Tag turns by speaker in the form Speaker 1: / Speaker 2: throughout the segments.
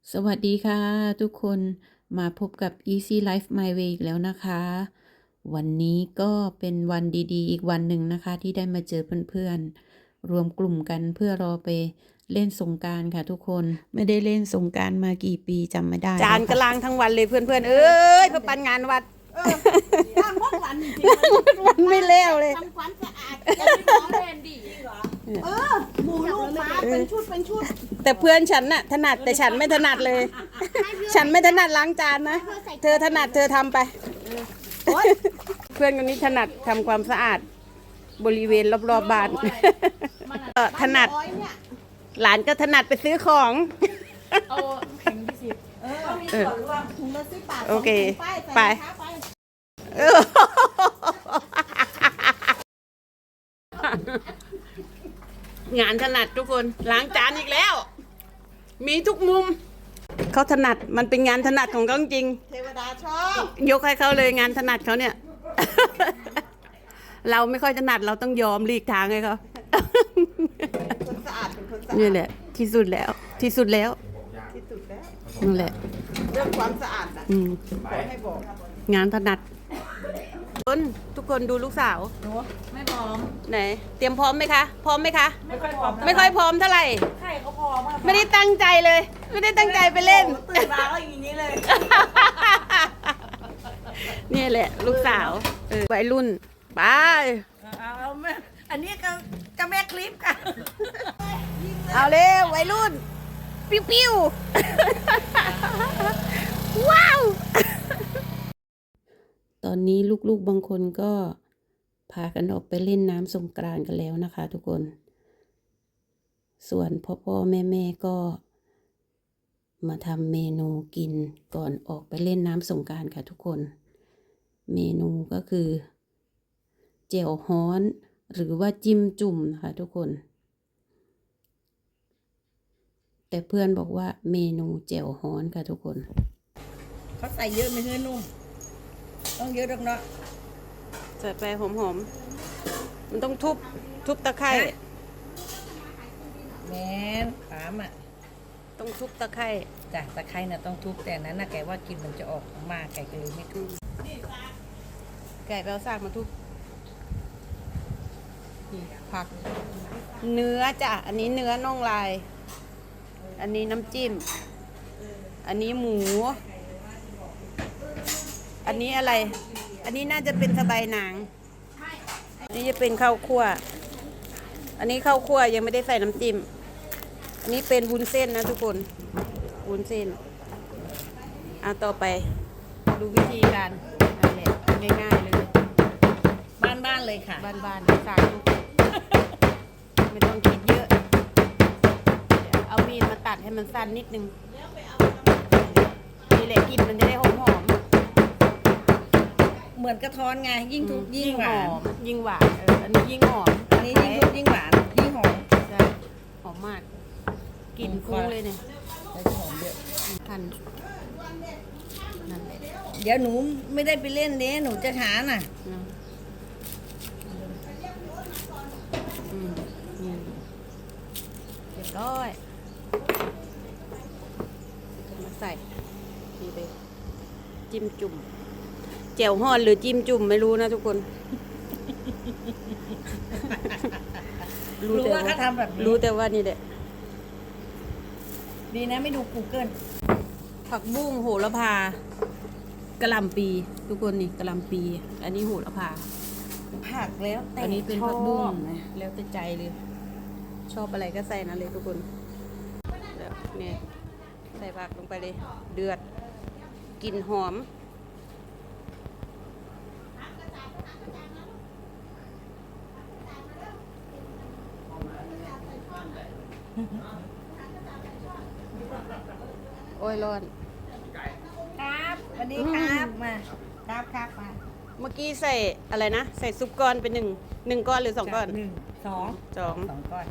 Speaker 1: สวัสดีค่ะทุกคนมาพบกับ Easy Life My Way อีกแล้วนะคะ วันนี้ก็เป็นวันดีๆอีกวันหนึ่งนะคะที่ได้มาเจอเพื่อนๆรวมกลุ่มกันเพื่อรอไปเล่นสงกรานต์ค่ะทุกคนไม่ได้เล่นสงกรานต์มากี่ปีจำไม่ได้จานกระลางทั้งวันเลยเพื่อนๆเอ้ยเพื่อปันงานวัด
Speaker 2: ทำทุกวันจริงๆ
Speaker 1: วันไม่เล้วเลย
Speaker 2: ทำความสะอาดยังไม่พร้อมแทนดีเหรอหมูลูกหมาเป็นชุด
Speaker 1: แต่เพื่อนฉันน่ะถนัดแต่ฉันไม่ถนัดเลย ฉันไม่ถนัดล้างจานนะเธอถนัดเธอทำไปเพื่อนคนนี้ถนัดทำความสะอาดบริเวณรอบๆบ้านถนัดหลานก็ถนัดไปซื้อของ
Speaker 2: เอาแข็ง20มีส่วนรวมถุงละ10 บาท
Speaker 1: โอเคไป งานถนัดทุกคนล้างจานอีกแล้ว มีทุกมุมเขาถนัดมันเป็นงานถนัดของเขาจริง
Speaker 2: เทวดาชอบ
Speaker 1: ยกให้เขาเลยงานถนัดเขาเนี่ย เราไม่ค่อยถนัดเราต้องยอมหลีกทางให้เขา
Speaker 2: คนสะอาดเป็นคนสะอาด
Speaker 1: นี่แหละที่สุดแล้วที่สุดแล้ว
Speaker 2: ที่สุดแล้ว
Speaker 1: นั่นแหละ
Speaker 2: เรื่องความสะอาดนะขอให้บอก
Speaker 1: งานถนัดทุกคนดูลูกสาว
Speaker 2: หนูไม่พร้อม
Speaker 1: ไหนเตรียมพร้อมไหมคะพร้อมไหมคะ
Speaker 2: ไม่ค่อยพร้อม
Speaker 1: ไม่ค่อยพร้อมเท่าไหร่
Speaker 2: ใครเขาพร้อมอะ
Speaker 1: ไม่ได้ตั้งใจเลย ไม่ได้ตั้งใจไปเล่น
Speaker 2: ตื่นมาก็อย่างนี้เลย
Speaker 1: นี่แหละ ลูกสาววัยรุ่นไป
Speaker 2: เอาแม่อันนี้ก็แม่คลิปค่ะ
Speaker 1: เอาเร็ววัยรุ่น ปิ้วปิ้ว ว้าว ตอนนี้ลูกๆบางคนก็พากันออกไปเล่นน้ำสงกรานต์กันแล้วนะคะทุกคน ส่วนพ่อแม่ก็มาทำเมนูกินก่อนออกไปเล่นน้ำสงกรานต์ค่ะทุกคน เมนูก็คือแจ่วฮ้อนหรือว่าจิ้มจุ่มนะคะทุกคน แต่เพื่อนบอกว่าเมนูแจ่วฮ้อนค่ะทุกคน
Speaker 2: เขาใส่เยอะไม่เฮ้ยนุ่มต้องเยอะดังเนาะ
Speaker 1: ใส่ไปหอมๆมันต้องทุบตะไคร้
Speaker 2: แม่นปามอ่ะ
Speaker 1: ต้องทุบตะไคร้
Speaker 2: จ้ะตะไคร้น่ะต้องทุบแต่นั้นน่ะแกว่ากินมันจะออกมาแกก็เลยไม่ทุบ
Speaker 1: ไก่แปลวซากมาทุบนี่ผัก เนื้อจ้ะอันนี้เนื้อน่องลาย อันนี้น้ำจิ้ม อันนี้หมู อันนี้อะไร อันนี้น่าจะเป็นสะใบายหนังอันนี้จะเป็นข้าวคั่ว อันนี้ข้าวคั่วยังไม่ได้ใส่น้ำจิ้ม อันนี้เป็นวุ้นเส้นนะทุกคน วุ้นเส้นต่อไปดูวิธีการนั่นแหละง่ายๆเลย
Speaker 2: บ้านๆเลยค่ะ
Speaker 1: บ้านๆสาธุไม่ต้องคิดเยอะเดี๋ยวเอามีดมาตัดให้มันสั้นนิดนึงนี่แหละกลิ่นมันจะได้หอม
Speaker 2: เหมือนกระท้อนไงยิ่งทุบ
Speaker 1: ๆ
Speaker 2: ยิ่งหวาน
Speaker 1: ยิ่งหวานอันนี้ยิ่งหอม
Speaker 2: อันนี้ยิ่งทุบยิ่งหวานยิ่งหอม
Speaker 1: ใช่หอมมากกลิ่นฟุ้งเลยเนี่ย
Speaker 2: ใส่หอมเยอะ
Speaker 1: หั่นนั่นแหละ
Speaker 2: เดี๋ยวหนูไม่ได้ไปเล่นเด้หนูจะหาน่ะ
Speaker 1: นะนี่เรียบร้อยมาใส่นี่เลยจิ้มจุ่มแจ่วฮ้อนหรือจิ้มจุ่มไม่รู้นะทุกคน
Speaker 2: รู้ว่าเขาทำแบบนี้
Speaker 1: รู้แต่ว่านี่แหละ
Speaker 2: ดีนะไม่ดู Google
Speaker 1: ผักบุ้งโหระพากะหล่ำปีทุกคนนี่กะหล่ำปี อันนี้โหระพา
Speaker 2: ผักแล้วแต่
Speaker 1: อันนี้เป็นผักบุ้ง
Speaker 2: ชอบนะ
Speaker 1: แล้วแต่ใจเลย ชอบอะไรก็ใส่นะเลยทุกคนแล้วเนี่ยใส่ผักลงไปเลย เดือดกลิ่นหอม โอ้ยร้อน
Speaker 2: ครับสวัสดีครับมาครับมา
Speaker 1: เมื่อกี้ใส่อะไรนะ ใส่ซุปก้อนเป็นหนึ่งก้อนหรือ2 ก้อน
Speaker 2: 1 2 2 ก้อน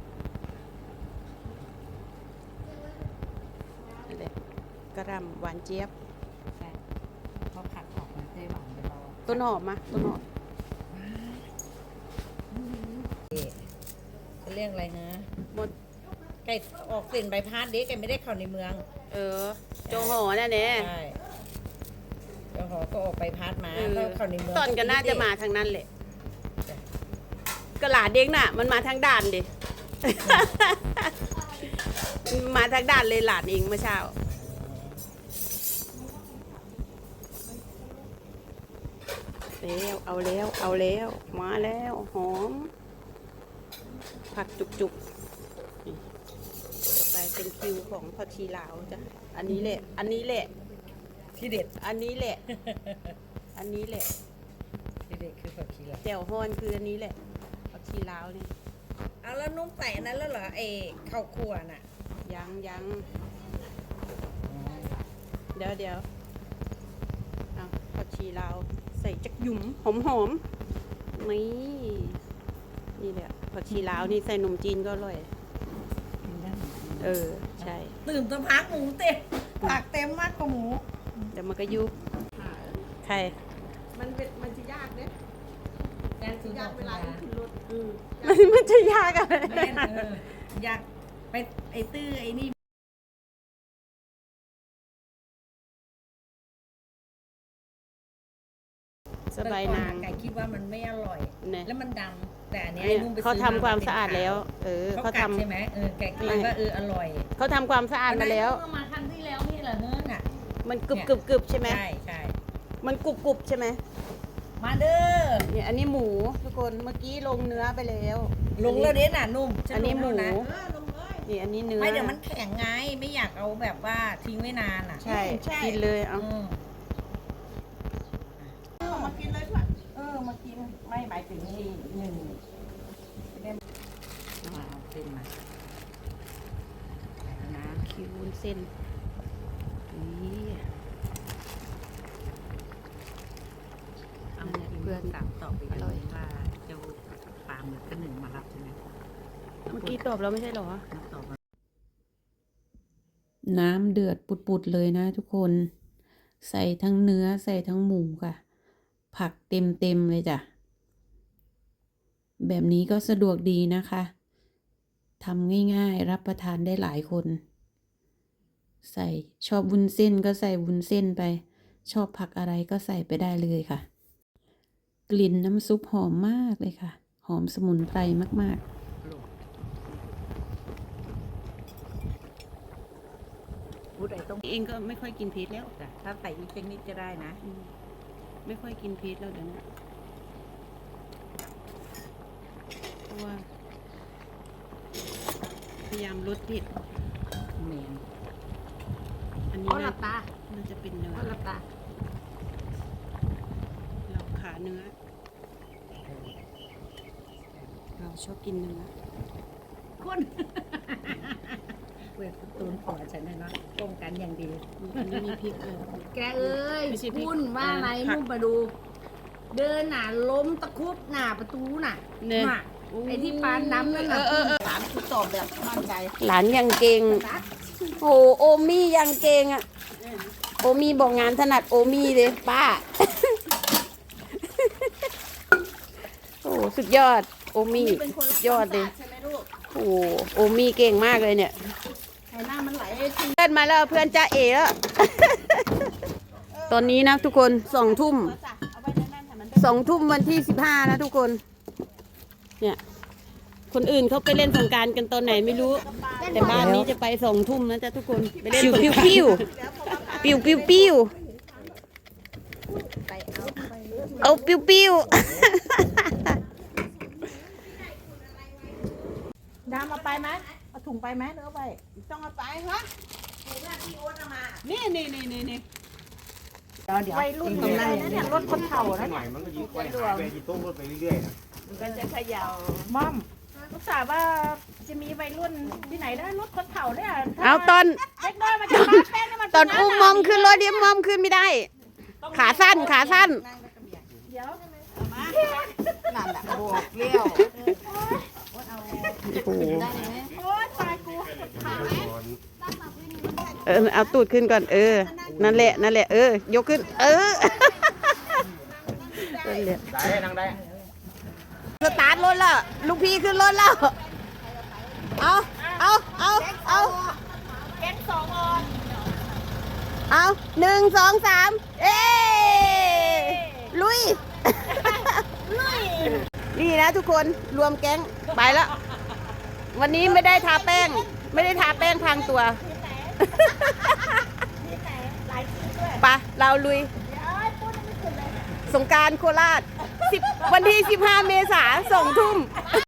Speaker 1: นั่นแหละกระหล่ำหวานเจี๊ยบ
Speaker 2: ใช่เขาผักออกมาได้หวานเดี๋ยวเรา
Speaker 1: ต้นหอมมาต้นหอม
Speaker 2: จะเรียกอะไรนะ
Speaker 1: หมด
Speaker 2: แกออกเส้นใบพัดเด็กแกไม่ได้เข้าในเมือง
Speaker 1: โจโหนั่นเอง
Speaker 2: ใช่เจ้าหอก็ออกใบพัดมา
Speaker 1: เออ
Speaker 2: ก็เข้าในเมือง
Speaker 1: ตอนก็น่าจะมาทางนั้นแหละกระหลาดเด้งน่ะ มันมาทางด่านดิ มาทางด่านเลยหลานเองเมื่อเช้าเอาแล้วมาแล้วหอมผักจุกๆนี่ไปเป็นคิวของผักชีลาวจ้ะอันนี้แหละ
Speaker 2: ที่เด็ด
Speaker 1: อันนี้แหละ
Speaker 2: ที่เด็ดคือผักชีลาว
Speaker 1: แจ่วฮ้อนคืออันนี้แหละผักชีลาวนี่
Speaker 2: เอาแล้วนุ่มใส่อันนั้นแล้วเหรอข้าวคั่วน่ะ
Speaker 1: ยังเดี๋ยวเอาผักชีลาวใส่จักหยุ่มหอมนี่แหละผักชีลาวนี่ใส่นมจีนก็อร่อยใช่
Speaker 2: ตื่นตะพักหมูเต็มผักเต็มมากกว่าหมู
Speaker 1: เดี๋ยวมันก็ยุบใคร
Speaker 2: มันจะยากเนี่ยยากเวลาที่ขึ้นรถ
Speaker 1: มันจะยากอะไร
Speaker 2: อยากไปตื้อนี่
Speaker 1: สบายนาง
Speaker 2: ไก่คิดว่ามันไม่อร่อย
Speaker 1: เนี่ย
Speaker 2: แล้วมันดำแต่อันเนี้ย
Speaker 1: เนี่ย
Speaker 2: นุ่มไป
Speaker 1: เขา
Speaker 2: ซื้อ
Speaker 1: ทำความสะอาดแล้ว
Speaker 2: เขา
Speaker 1: เขา
Speaker 2: กัด
Speaker 1: ทำ
Speaker 2: ใช่ไหมไก่คิดว่าอร่อย
Speaker 1: เขาทำความสะอาดมาแล้ว
Speaker 2: เอมาครั้งที่แล้วนี่เหรอเฮ้ยน่ะ
Speaker 1: มันกึบใช่ไหม
Speaker 2: ใช่
Speaker 1: มันกรุบใช่ไหม
Speaker 2: มาเด้อ
Speaker 1: เนี่ยอันนี้หมูทุกคนเมื่อกี้ลงเนื้อไปแล้ว
Speaker 2: ลงแล้วเด้น่ะนุ่ม
Speaker 1: อันนี้หมู
Speaker 2: นะ
Speaker 1: นี่อันนี้เนื้อ
Speaker 2: ไม่เดี๋ยวมันแข็งไงไม่อยากเอาแบบว่าทิ้งไว้นานอ่ะ
Speaker 1: ใช่กินเลยเอา
Speaker 2: มากินเลยค่ะมากินไม่หมายถึงนี่หนึ่งเอาเส้นมานะ
Speaker 1: คิววุ้นเส้นนี่
Speaker 2: เอาเพื่อนตามต่อไปกันว่าเจ้าปลาหมึกก็หนึ่งมารับใช่ไหม
Speaker 1: เมื่อกี้ตอบแล้วไม่ใช่เหรอ
Speaker 2: ต่อมา
Speaker 1: น้ำเดือดปุดๆเลยนะทุกคน ใส่ทั้งเนื้อใส่ทั้งหมูค่ะ ผักเต็มเลยจ้ะ แบบนี้ก็สะดวกดีนะคะทำง่ายๆรับประทานได้หลายคน ใส่ชอบวุ้นเส้นก็ใส่วุ้นเส้นไป ชอบผักอะไรก็ใส่ไปได้เลยค่ะ กลิ่นน้ำซุปหอมมากเลยค่ะ หอมสมุนไพรมากๆ
Speaker 2: พูดไอ้ต้อง
Speaker 1: เองก็ไม่ค่อยกินพริกแล้ว
Speaker 2: ถ้าใส่อีกสักนิดจะได้นะ
Speaker 1: ไม่ค่อยกินพริกแล้วเดี๋ยวนี้เพราะว่าพยายามลดเผ็ด
Speaker 2: เหม็น
Speaker 1: อันนี้
Speaker 2: อ๋อหลับตา
Speaker 1: น่าจะเป็นเนื้อ
Speaker 2: รับตา
Speaker 1: เราขาเนื้อ เราชอบกินเนื้อ
Speaker 2: คนเวทตูนขอฉันเลยเนาะป้องกันอย่างดี
Speaker 1: อันนี้มีพริกเลย
Speaker 2: แกเอ้ย
Speaker 1: ไม่ใช่พริก
Speaker 2: พุ่นว่าอะไร
Speaker 1: ผัก
Speaker 2: นุ่มมาดู เดินหน่ะล้มตะคุบหน้าประตูน่ะ
Speaker 1: เนี่ย
Speaker 2: น่ะไอ้ที่ปานน้ำนั่นน่ะ
Speaker 3: ถามคือตอบแบบมั่นใจ
Speaker 1: หลานยังเก่ง โอ้โอมี่ยังเก่งอ่ะ โอมี่บอกงานถนัดโอมี่เลยป้า โอ้สุดยอด โอมี่สุดยอดเลย
Speaker 3: ใช่ไหมลูก
Speaker 1: โอ้โอมี่เก่งมากเลยเนี่ย
Speaker 3: ไข่หน้ามันไหล
Speaker 1: เพื่อนมาแล้วเพื่อนจ้าเอ๋แล้ว ตอนนี้นะทุกคน2 ทุ่ม
Speaker 3: จ้ะเอาไว้นั่นๆให้มัน
Speaker 1: 2 ทุ่มวันที่15นะทุกคน เนี่ย คนอื่นเขาไปเล่นสงกรารกันตอนไหนไม่รู้ แต่บ้านนี้จะไป2 ทุ่มนะจ๊ะทุกคนไปเล่นสงกรานต์ปิ้วเอาปิ้ว
Speaker 3: ดามเอาไปไหมเอาถุงไปไหมหรือเอาไปต้องเอาไปฮะ
Speaker 1: นี่
Speaker 3: เดี๋ยววัยรุ่นตรงนั้นเนี่ยรถคนเฒ่านะ
Speaker 4: หน่อยมันก็ยิ่งไปหายไปที่โต๊ะรถไปเรื่อยๆนะ
Speaker 3: มันก็จะเขย่าม่อมอุตส่าห์ว่าจะมีวัยรุ่นที่ไหนได้รถคนเฒ่าเนี่ย
Speaker 1: เอาตอน
Speaker 3: เล็กน้อยมันจะมาแป้งนี่มัน
Speaker 1: ตอนอุ้มมอมขึ้นรถเดี๋ยวมอมขึ้นไม่ได้ ขาสั้น
Speaker 3: เดี๋ยว
Speaker 2: นั่นแหละบอกเลี้ยว
Speaker 1: โอ้โห
Speaker 3: โอ๊ยตายกู
Speaker 1: เอาตูดขึ้นก่อนนั่นแหละยกขึ้นนั่นแหละ
Speaker 4: ได้นั่งได้
Speaker 1: สตาร์ทรถแล้วลูกพี่ขึ้นรถแล้วเอาเอา
Speaker 3: แก๊งสองออน
Speaker 1: เอา1 2 3 เอ้ลุย นี่นะทุกคนรวมแก๊งไปแล้ว วันนี้ไม่ได้ทาแป้ง ไม่ได้ทาแป้งพรางตัว
Speaker 3: หลายที่ด้วย
Speaker 1: ไปเราลุย
Speaker 3: พูดไม่สุดเลย
Speaker 1: สงกรานต์โคราช10 วันที่ 15 เมษายน 2 ทุ่ม